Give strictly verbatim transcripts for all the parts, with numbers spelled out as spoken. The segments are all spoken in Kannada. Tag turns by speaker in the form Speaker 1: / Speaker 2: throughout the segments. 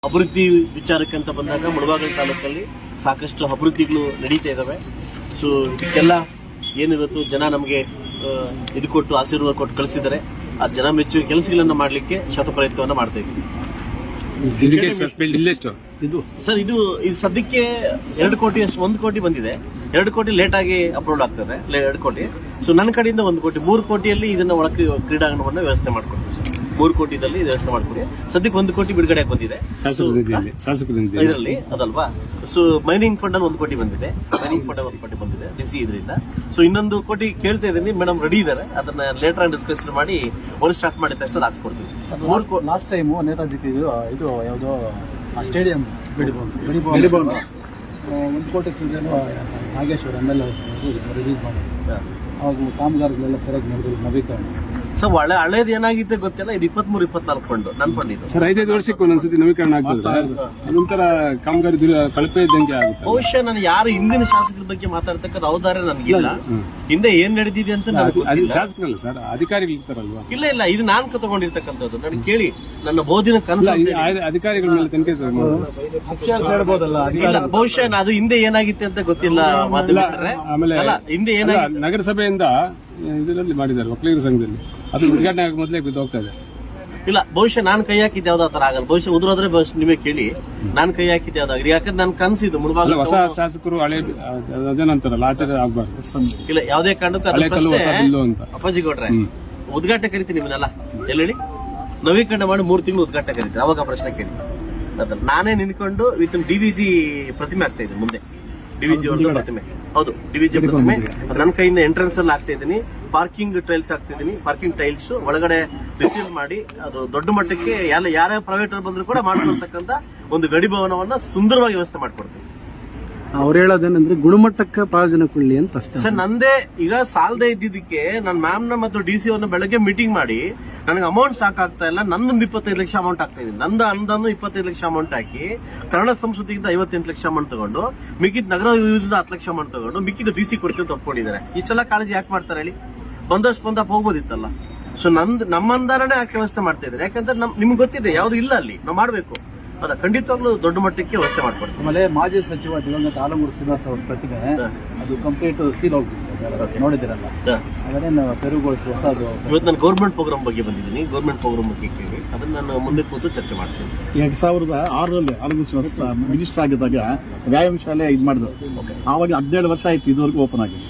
Speaker 1: ಅಭಿವೃದ್ಧಿ ವಿಚಾರಕ್ಕೆ ಅಂತ ಬಂದಾಗ ಮುಳಬಾಗಿಲು ತಾಲೂಕಲ್ಲಿ ಸಾಕಷ್ಟು ಅಭಿವೃದ್ಧಿಗಳು ನಡೀತಾ ಇದಾವೆ. ಸೊ ಇದಕ್ಕೆಲ್ಲ ಏನಿವತ್ತು ಜನ ನಮಗೆ ಇದು ಕೊಟ್ಟು ಆಶೀರ್ವಾದ ಕೊಟ್ಟು ಕಳಿಸಿದ್ದಾರೆ. ಆ ಜನ ಮೆಚ್ಚುವ ಕೆಲಸಗಳನ್ನ ಮಾಡಲಿಕ್ಕೆ ಶತಪ್ರಯತ್ನವನ್ನ ಮಾಡ್ತಾ ಇದ್ದೀವಿ.
Speaker 2: ಇದು
Speaker 1: ಸರ್ ಇದು ಇದು ಸದ್ಯಕ್ಕೆ ಎರಡು ಕೋಟಿ ಒಂದು ಕೋಟಿ ಬಂದಿದೆ. ಎರಡು ಕೋಟಿ ಲೇಟ್ ಆಗಿ ಅಪ್ರೂವಲ್ ಆಗ್ತದೆ, ಎರಡು ಕೋಟಿ. ಸೊ ನನ್ನ ಕಡೆಯಿಂದ ಒಂದು ಕೋಟಿ, ಮೂರು ಕೋಟಿಯಲ್ಲಿ ಇದನ್ನ ಒಳಗೆ ಕ್ರೀಡಾಂಗಣವನ್ನ ವ್ಯವಸ್ಥೆ ಮಾಡ್ಕೊಡ್ತೀವಿ. ಮೂರು ಕೋಟಿದಲ್ಲಿ ವ್ಯವಸ್ಥೆ ಮಾಡ್ಕೊಡಿ. ಸದ್ಯಕ್ಕೆ ಒಂದು ಕೋಟಿ ಬಿಡುಗಡೆ ಬಂದಿದೆ ಇದರಲ್ಲಿ, ಅದಲ್ವಾ. ಸೊ ಮೈನಿಂಗ್ ಫಂಡ್ ಅಲ್ಲಿ ಒಂದು ಕೋಟಿ ಬಂದಿದೆ, ಮೈನಿಂಗ್ ಫಂಡ್ ಒಂದು ಕೋಟಿ ಬಂದಿದೆ ಡಿಸಿ ಇದರಿಂದ. ಸೊ ಇನ್ನೊಂದು ಕೋಟಿ ಕೇಳ್ತಾ ಇದ್ದೀನಿ, ಮೇಡಮ್ ರೆಡಿ ಇದ್ದಾರೆ. ಅದನ್ನ ಲೇಟರ್ ಆಗಿ ಡಿಸ್ಕಸ್ ಮಾಡಿ ಒಂದು ಸ್ಟಾರ್ಟ್ ಮಾಡಿದ ತಕ್ಷಣ ಹಾಕ್ಸ್ಕೊಡ್ತೀವಿ.
Speaker 2: ಲಾಸ್ಟ್ ಟೈಮ್ ನೇತಾಜಿ ಇದು ಯಾವುದೋ ಸ್ಟೇಡಿಯಂ ಒಂದು ಕೋಟಿ ಚಿಲ್ಲರೆ ನಾಗೇಶ್ವರ ಎಮ್ ಎಲ್ ರಿಲೀಸ್ ಮಾಡಿ ಹಾಗೂ ಕಾಮಗಾರಿಗಳೆಲ್ಲ ಸರಿಯಾಗಿ ನಡೆದು ನವೀಕರಣ.
Speaker 1: ಸೊ ಒಳ್ಳೆ ಹಳೇದು ಏನಾಗಿತ್ತು ಗೊತ್ತಿಲ್ಲ. ಇದು ಇಪ್ಪತ್ಮೂರು ಇಪ್ಪತ್ನಾಲ್ಕು ಫಂಡ್ ನನ್ನ ಫಂಡ್ ಇದು
Speaker 3: ಸರ್. ಐದೈದು ವರ್ಷಕ್ಕೆ ಒಂದೊಂದ್ಸತಿ ನವೀಕರಣ ಆಗ್ತದೆ, ಅದೊಂಥರ ಕಾಮಗಾರಿ ಕಳಪೆ ಇದ್ದಂಗೆ ಆಗುತ್ತೆ.
Speaker 1: ಬಹುಶಃ ನಾನು ಯಾರು ಹಿಂದಿನ ಶಾಸಕರ ಬಗ್ಗೆ ಮಾತಾಡ್ತಕ್ಕಂಥ ಅವಧಾರ ನನಗಿಲ್ಲ. ಹಿಂದೆ ಏನ್ ನಡೆದಿದೆ ಅಂತ ನನಗೆ ಗೊತ್ತಿಲ್ಲ.
Speaker 3: ಶಾಸಕರಲ್ಲ ಸರ್, ಅಧಿಕಾರಿಗಳು ಇರ್ತಾರಲ್ವಾ?
Speaker 1: ಇಲ್ಲ ಇಲ್ಲ, ಇದು ನಾನು ತಗೊಂಡಿರ್ತಕ್ಕಂಥದ್ದು. ನನಗೆ ಕೇಳಿ ನನ್ನ ಬೋಧಿನ ಕನಸು
Speaker 3: ಅಧಿಕಾರಿಗಳ ಮೇಲೆ ತನಿಖೆ
Speaker 2: ಹೇಳ್ಬೋದಲ್ಲ.
Speaker 1: ಇಲ್ಲ, ಬಹುಶಃ ಅದು ಹಿಂದೆ ಏನಾಗಿತ್ತು ಅಂತ ಗೊತ್ತಿಲ್ಲ.
Speaker 3: ಆಮೇಲೆ
Speaker 1: ಹಿಂದೆ ಏನಾಗಿತ್ತು
Speaker 3: ನಗರಸಭೆಯಿಂದ ಇದರಲ್ಲಿ ಮಾಡಿದ್ದಾರೆ ಒಕ್ಕಲಿಗರ ಸಂಘದಲ್ಲಿ, ಅದು ಉದ್ಘಾಟನೆ ಆಗ ಮೊದಲೇ ಬಿದ್ದು ಹೋಗ್ತಾ ಇದೆ.
Speaker 1: ಇಲ್ಲ, ಬಹುಶಃ ನಾನು ಕೈ ಹಾಕಿದ್ದೆ ಯಾವ್ದು ಆತರ ಆಗಲ್ಲ. ಬಹುಶಃ ಉದುರೋದ್ರೆ ನಿಮಗೆ ಕೇಳಿ ನಾನು ಕೈ ಹಾಕಿದ್ದೆ ಯಾವ್ದಾಗ್ರಿ. ಯಾಕಂದ್ರೆ ನಾನು ಕನಸಿದ್ದು ಮುಳುಬಾಗಿಲು
Speaker 3: ಹೊಸ ಶಾಸಕರು ಹಳೆ ಅದೇನಂತಾರಲ್ಲ ಆ ತರ ಆಗ್ಬಾರ್ದು.
Speaker 1: ಇಲ್ಲ, ಯಾವುದೇ ಕಾರಣಕ್ಕೂ
Speaker 3: ಅಂತ
Speaker 1: ಅಪ್ಪಾಜಿ ಕೊಟ್ರೆ ಉದ್ಘಾಟನೆ ಕರಿತೀನಿ ನಿಮ್ಮನ್ನೆಲ್ಲ ಎಲ್ಲೆಳಿ ನವೀಕರಣ ಮಾಡಿ ಮೂರು ತಿಂಗಳು ಉದ್ಘಾಟನೆ ಕರಿತೀನಿ. ಅವಾಗ ಪ್ರಶ್ನೆ ಕೇಳಿ ನಾನೇ ನಿನ್ಕೊಂಡು ವಿತ್ ಡಿವಿಜಿ ಪ್ರತಿಮೆ ಆಗ್ತಾ ಇದೆ ಮುಂದೆ. ಡಿವಿಜಿ ಒಂದು ಪ್ರತಿಮೆ, ಹೌದು ಡಿವಿಜಿ ಪ್ರತಿಮೆ ನನ್ನ ಕೈಯಿಂದ ಎಂಟ್ರೆನ್ಸ್ ಅಲ್ಲಿ ಆಗ್ತಾ ಇದ್ದೀನಿ. ಪಾರ್ಕಿಂಗ್ ಟೈಲ್ಸ್ ಆಗ್ತಿದ್ದೀನಿ, ಪಾರ್ಕಿಂಗ್ ಟೈಲ್ಸ್ ಒಳಗಡೆ ರಿಸೀವ್ ಮಾಡಿ ಅದು ದೊಡ್ಡ ಮಟ್ಟಕ್ಕೆ ಯಾರ ಯಾರೇ ಪ್ರೈವೇಟ್ ಬಂದ್ರು ಕೂಡ ಮಾಡ್ಕೊಳ್ತಕ್ಕಂಥ ಒಂದು ಗಡಿ ಭವನವನ್ನ ಸುಂದರವಾಗಿ ವ್ಯವಸ್ಥೆ ಮಾಡ್ಕೊಡ್ತೀನಿ.
Speaker 2: ಅವ್ರು ಹೇಳೋದೇನಂದ್ರೆ ಗುಣಮಟ್ಟಕ್ಕೆ ಪ್ರಯೋಜನ ಕೊಡ್ಲಿ ಅಂತ ಅಷ್ಟೇ
Speaker 1: ಸರ್. ನಂದೇ ಈಗ ಸಾಲದೇ ಇದ್ದಿದ್ದಕ್ಕೆ ನನ್ನ ಮ್ಯಾಮ್ನ ಮತ್ತು ಡಿ ಸಿ ಅವ್ರನ್ನ ಬೆಳಗ್ಗೆ ಮೀಟಿಂಗ್ ಮಾಡಿ ನನಗೆ ಅಮೌಂಟ್ ಸಾಕಾಗ್ತಾ ಇಲ್ಲ, ನಂದೊಂದು ಇಪ್ಪತ್ತೈದು ಲಕ್ಷ ಅಮೌಂಟ್ ಆಗ್ತಾ ಇದೆ. ನಂದು ಅನುದಾನ ಇಪ್ಪತ್ತೈದು ಲಕ್ಷ ಅಮೌಂಟ್ ಹಾಕಿ ಕನ್ನಡ ಸಂಸ್ಕೃತಿಯಿಂದ ಐವತ್ತೆಂಟು ಲಕ್ಷ ಅಮೌಂಟ್ ತಗೊಂಡು ಮಿಕ್ಕಿದ ನಗರ ವಿವಿಧ ಹತ್ತು ಲಕ್ಷ ಅಮೌಂಟ್ ತಗೊಂಡು ಮಿಕ್ಕಿದ ಡಿ ಸಿ ಕೊಡ್ತೀವಿ ಅಂತ ಒಪ್ಕೊಂಡಿದ್ದಾರೆ. ಇಷ್ಟೆಲ್ಲ ಕಾಳಜಿ ಯಾಕೆ ಮಾಡ್ತಾರೆ ಹೇಳಿ? ಬಂದಷ್ಟು ಬಂದಪ್ಪ ಹೋಗ್ಬೋದಿತ್ತಲ್ಲ. ಸೊ ನಂದು ನಮ್ಮ ಅನುದಾನನೇ ಯಾಕೆ ವ್ಯವಸ್ಥೆ ಮಾಡ್ತಾ ಇದ್ದಾರೆ? ಯಾಕಂದ್ರೆ ನಮ್ ನಿಮ್ಗೆ ಗೊತ್ತಿದೆ ಯಾವ್ದು ಇಲ್ಲ ಅಲ್ಲಿ, ನಾವು ಮಾಡಬೇಕು. ಅದ ಖಂಡಿತವಾಗ್ಲೂ ದೊಡ್ಡ ಮಟ್ಟಕ್ಕೆ ವ್ಯವಸ್ಥೆ ಮಾಡ್ಕೊಡ್ತೀವಿ.
Speaker 2: ಆಮೇಲೆ ಮಾಜಿ ಸಚಿವ ದಿವಂಗತ ಆಲಮೂರು ಶ್ರೀನಿವಾಸ ಅವ್ರ ಪ್ರತಿಮೆ ಅದು ಕಂಪ್ಲೀಟ್ ಸೀಲ್ ಹೋಗ್ಬಿಟ್ಟಿದೆ, ನೋಡಿದಿರಲ್ಲ. ಅದನ್ನೇ ತೆರವುಗೊಳಿಸಿ ಹೊಸದು.
Speaker 1: ಇವತ್ತು ನಾನು ಗೌರ್ಮೆಂಟ್ ಪ್ರೋಗ್ರಾಮ್ ಬಗ್ಗೆ ಬಂದಿದ್ದೀನಿ. ಗೌರ್ಮೆಂಟ್ ಪ್ರೋಗ್ರಾಮ್ ಬಗ್ಗೆ ಕೇಳಿ ಅದನ್ನ ನಾನು ಮುಂದೆ ಕೂತು ಚರ್ಚೆ ಮಾಡ್ತೀನಿ.
Speaker 2: ಎರಡ್ ಸಾವಿರದ ಆರರಲ್ಲಿ ಆಲಮೂರು ಶ್ರೀನಿವಾಸ ಮಿನಿಸ್ಟರ್ ಆಗಿದ್ದಾಗ ವ್ಯಾಯಾಮ ಶಾಲೆ ಇದು ಮಾಡಿದ್ರು. ಆವಾಗ ಹದಿನೇಳು ವರ್ಷ ಆಯ್ತು ಇದುವರೆಗೂ ಓಪನ್ ಆಗಿ.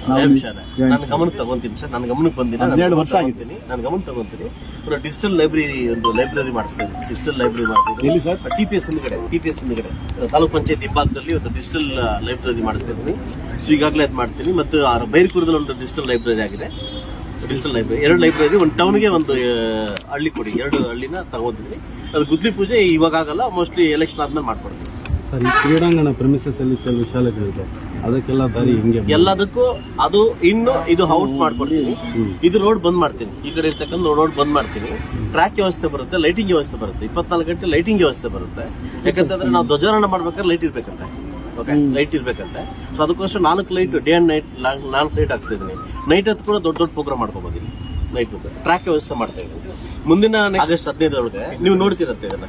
Speaker 1: ನಾನು ಗಮನಕ್ಕೆ ತಗೊಂತೀನಿ ಸರ್, ನನ್ನ ಗಮನಕ್ಕೆ ಬಂದಿಲ್ಲ.
Speaker 2: ಹದಿನೇಳು ವರ್ಷ ಆಗಿದ್ದೀನಿ,
Speaker 1: ನಾನು ಗಮನ ತಗೊಂತೀನಿ. ಡಿಜಿಟಲ್ ಲೈಬ್ರರಿ ಒಂದು ಲೈಬ್ರರಿ ಮಾಡಿಸ್ತಾ ಇದ್ದೀನಿ. ಡಿಜಿಟಲ್ ಲೈಬ್ರರಿ ಮಾಡ್ತೀನಿ
Speaker 2: ಎಲ್ಲಿ ಸರ್?
Speaker 1: ಟಿಪಿಎಸ್ ಹಿಂದ್ಗಡೆ, ಟಿಪಿಎಸ್ ಹಿಂದ್ಗಡೆ ತಾಲೂಕ್ ಪಂಚಾಯತ್ ಹಿಂಭಾಗದಲ್ಲಿ ಒಂದು ಡಿಜಿಟಲ್ ಲೈಬ್ರರಿ ಮಾಡಿಸ್ತಾ ಇದ್ದೀನಿ. ಸೊ ಈಗಾಗಲೇ ಅದು ಮಾಡ್ತೀನಿ. ಮತ್ತು ಬೈರ್ಕೂರದಲ್ಲಿ ಒಂದು ಡಿಜಿಟಲ್ ಲೈಬ್ರರಿ ಆಗಿದೆ. ಡಿಜಿಟಲ್ ಲೈಬ್ರರಿ ಎರಡು ಲೈಬ್ರರಿ ಒಂದು ಟೌನ್ಗೆ ಒಂದು ಹಳ್ಳಿ ಕೊಡಿ, ಎರಡು ಹಳ್ಳಿನ ತಗೊಂಡಿದ್ದೀನಿ. ಅದು ಗುದ್ಲಿ ಪೂಜೆ ಇವಾಗ ಆಗಲ್ಲ, ಮೋಸ್ಟ್ಲಿ ಎಲೆಕ್ಷನ್ ಆದ್ಮೇಲೆ ಮಾಡ್ಕೊಡ್ತೀನಿ.
Speaker 2: ಸರ್, ಈ ಕ್ರೀಡಾಂಗಣ ಪ್ರೆಮಿಸಸ್ ಅಲ್ಲಿ ಕೆಲವು ಶಾಲೆಗಳಿದೆ, ಅದಕ್ಕೆಲ್ಲ ದಾರಿ ಹಿಂಗೆ
Speaker 1: ಎಲ್ಲದಕ್ಕೂ ಅದು ಇನ್ನು ಇದು ಔಟ್ ಮಾಡ್ಕೊಡ್ತೀನಿ. ಇದು ರೋಡ್ ಬಂದ್ ಮಾಡ್ತೀನಿ, ಈ ಕಡೆ ಇರ್ತಕ್ಕಂಥ ರೋಡ್ ಬಂದ್ ಮಾಡ್ತೀನಿ. ಟ್ರ್ಯಾಕ್ ವ್ಯವಸ್ಥೆ ಬರುತ್ತೆ, ಲೈಟಿಂಗ್ ವ್ಯವಸ್ಥೆ ಬರುತ್ತೆ, ಇಪ್ಪತ್ನಾಲ್ಕು ಗಂಟೆ ಲೈಟಿಂಗ್ ವ್ಯವಸ್ಥೆ ಬರುತ್ತೆ. ಯಾಕಂತಂದ್ರೆ ನಾವು ಧ್ವಜಾರೋಹಣ ಮಾಡ್ಬೇಕಾದ್ರೆ ಲೈಟ್ ಇರ್ಬೇಕಂತೆ. ಓಕೆ, ಲೈಟ್ ಇರ್ಬೇಕಂತೆ. ಸೊ ಅದಕ್ಕೋಸ್ಕರ ನಾಲ್ಕು ಲೈಟ್ ಡೇ ಅಂಡ್ ನೈಟ್ ನಾಲ್ಕು ಲೈಟ್ ಹಾಕ್ತಾ ಇದ್ದೀನಿ. ನೈಟ್ ಹೊತ್ತು ಕೂಡ ದೊಡ್ಡ ದೊಡ್ಡ ಪ್ರೋಗ್ರಾಮ್ ಮಾಡ್ಕೋಬಹುದು. ನೈಟ್ ಟ್ರ್ಯಾಕ್ ವ್ಯವಸ್ಥೆ ಮಾಡ್ತಾ ಇದ್ದೀನಿ. ಮುಂದಿನ ಆಗಸ್ಟ್ ಹದಿನೈದರೊಳಗೆ ನೀವು ನೋಡ್ತಿರತ್ತೆ ಇದನ್ನ.